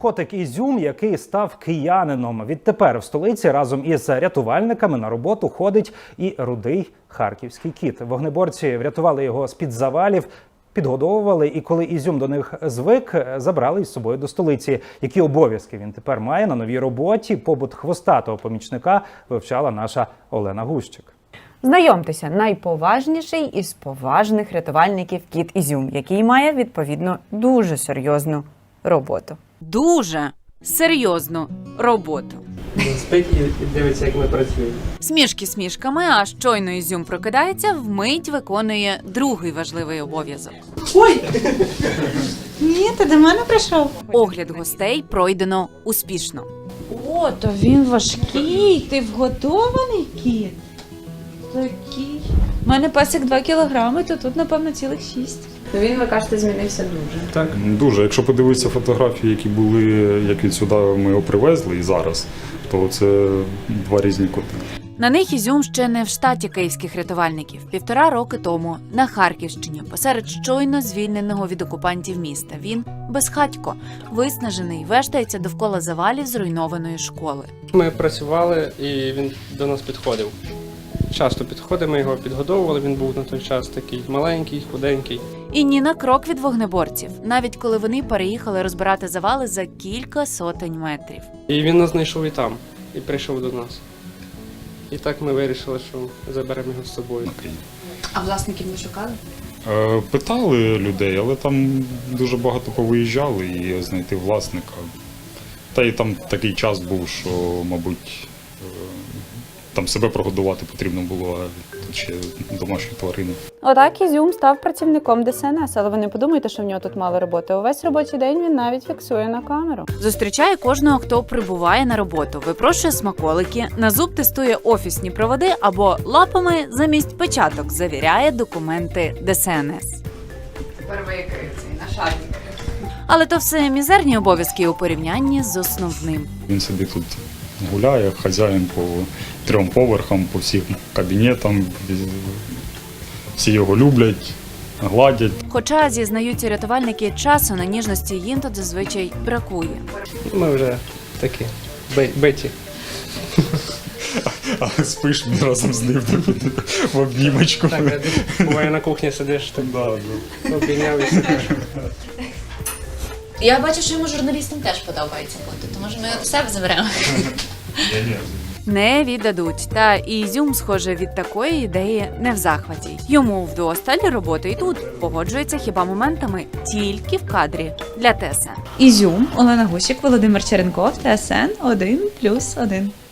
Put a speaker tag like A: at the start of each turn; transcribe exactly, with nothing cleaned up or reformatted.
A: Котик Ізюм, який став киянином. Відтепер в столиці разом із рятувальниками на роботу ходить і рудий харківський кіт. Вогнеборці врятували його з-під завалів, підгодовували, і коли Ізюм до них звик, забрали із собою до столиці. Які обов'язки він тепер має на новій роботі? Побут хвостатого помічника вивчала наша Олена Гущик.
B: Знайомтеся, найповажніший із поважних рятувальників кіт Ізюм, який має, відповідно, дуже серйозну роботу.
C: Дуже серйозну роботу.
D: Спить і дивиться, як ми працюємо.
C: Смішки смішками, а щойно Ізюм прокидається, вмить виконує другий важливий обов'язок.
D: Ой!
E: Ні, ти до мене прийшов?
C: Огляд гостей пройдено успішно.
E: О, то він важкий, ти вготований кіт? Такий. У мене песик два кілограми, то тут, напевно, цілих шість.
B: Ну він, ви кажете, змінився дуже.
F: Так, дуже. Якщо подивитися фотографії, які були, як від сюди ми його привезли і зараз, то це два різні коти.
C: На них Ізюм ще не в штаті київських рятувальників. Півтора роки тому на Харківщині, посеред щойно звільненого від окупантів міста. Він безхатько, виснажений, вештається довкола завалів зруйнованої школи.
D: Ми працювали, і він до нас підходив. Часто підходив, ми його підгодовували, він був на той час такий маленький, худенький.
C: І ні на крок від вогнеборців, навіть коли вони переїхали розбирати завали за кілька сотень метрів.
D: І він нас знайшов і там, і прийшов до нас. І так ми вирішили, що заберемо його з собою.
E: А власників не шукали?
F: Е, Питали людей, але там дуже багато повиїжджали і знайти власника. Та й там такий час був, що, мабуть, е, там себе прогодувати потрібно було, а тут ще домашні тварини.
B: Отак Ізюм став працівником Де Ес Ен Ес, але ви не подумайте, що в нього тут мало роботи. Увесь робочий день він навіть фіксує на камеру.
C: Зустрічає кожного, хто прибуває на роботу, випрошує смаколики, на зуб тестує офісні проводи або лапами замість печаток завіряє документи Де Ес Ен Ес.
E: Тепер викрив цей нашарник.
C: Але то все мізерні обов'язки у порівнянні з основним.
F: Він собі тут гуляє, хазяїн по трьом поверхам, по всім кабінетам. Всі його люблять, гладять.
C: Хоча, зізнаються рятувальники, часу на ніжності їм тут зазвичай бракує.
D: Ми вже такі биті.
F: А спиш разом з ним в обнімочку.
D: Так, буває на кухні сидиш, так обійняв і сидиш.
G: Я бачу, що йому журналістам теж подобається бути, то може ми його до себе заберемо.
C: Не віддадуть. Та і Ізюм, схоже, від такої ідеї не в захваті. Йому вдосталь роботи і тут. Погоджується хіба моментами тільки в кадрі для Те Ес Ен.
E: Ізюм, Олена Гущик, Володимир Черенков, Те Ес Ен один плюс один.